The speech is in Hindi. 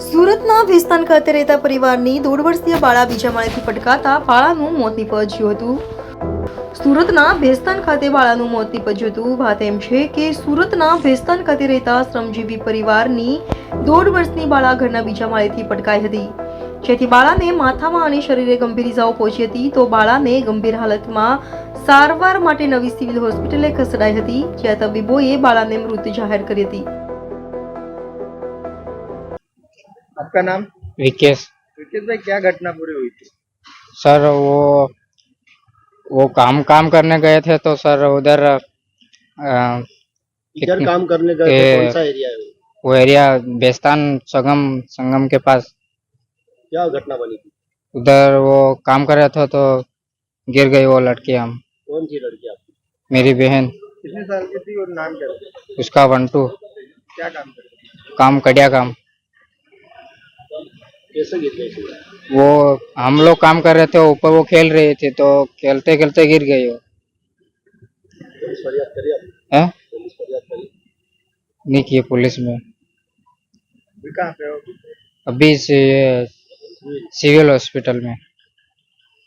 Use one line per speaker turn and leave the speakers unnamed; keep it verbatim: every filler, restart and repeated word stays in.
સુરતના ભેસ્તાન ખાતે રહેતા પરિવારની દોઢ વર્ષીય બાળા બીજા માળેથી પટકાતા બાળાનું મોત નીપજ્યું હતું. સુરતના ભેસ્તાન ખાતે બાળાનું મોત નીપજ્યું હતું. વાત એમ છે કે સુરતના ભેસ્તાન ખાતે રહેતા શ્રમજીવી પરિવારની દોઢ વર્ષની બાળા ઘરના બીજા માળેથી પટકાઈ હતી, જેથી બાળાને માથામાં અને શરીરે ગંભીર ઇજાઓ પહોંચી હતી. તો બાળાને ગંભીર હાલતમાં સારવાર માટે નવી સિવિલ હોસ્પિટલે ખસેડાઈ હતી, જ્યાં તબીબોએ બાળાને મૃત જાહેર કરી હતી.
आपका नाम?
विकेश।
विकेश भाई, क्या घटना पूरी हुई थी?
सर वो वो काम काम करने गए थे तो सर उधर अ,
इधर
कितनी-
काम करने गए थे,
ए-
कौन सा एरिया है वो?
वो एरिया बेस्तान संगम संगम के पास
क्या घटना बनी थी?
उधर वो काम कर रहे थे तो गिर गई वो लड़की। हम
कौन सी लड़की आपकी?
मेरी बहन,
कितने साल की थी और नाम क्या था?
उसका वंटू,
क्या काम करती थी?
काम कड़िया काम।
कैसे गिर गई थी?
वो हम लोग काम कर रहे थे, ऊपर वो खेल रही थी तो खेलते खेलते गिर गई वो।
पुलिस फरियाद करी आपने?
है
पुलिस फरियाद करी?
नहीं किए पुलिस में।
अभी कहाँ पे हो?
अभी से सिविल हॉस्पिटल में।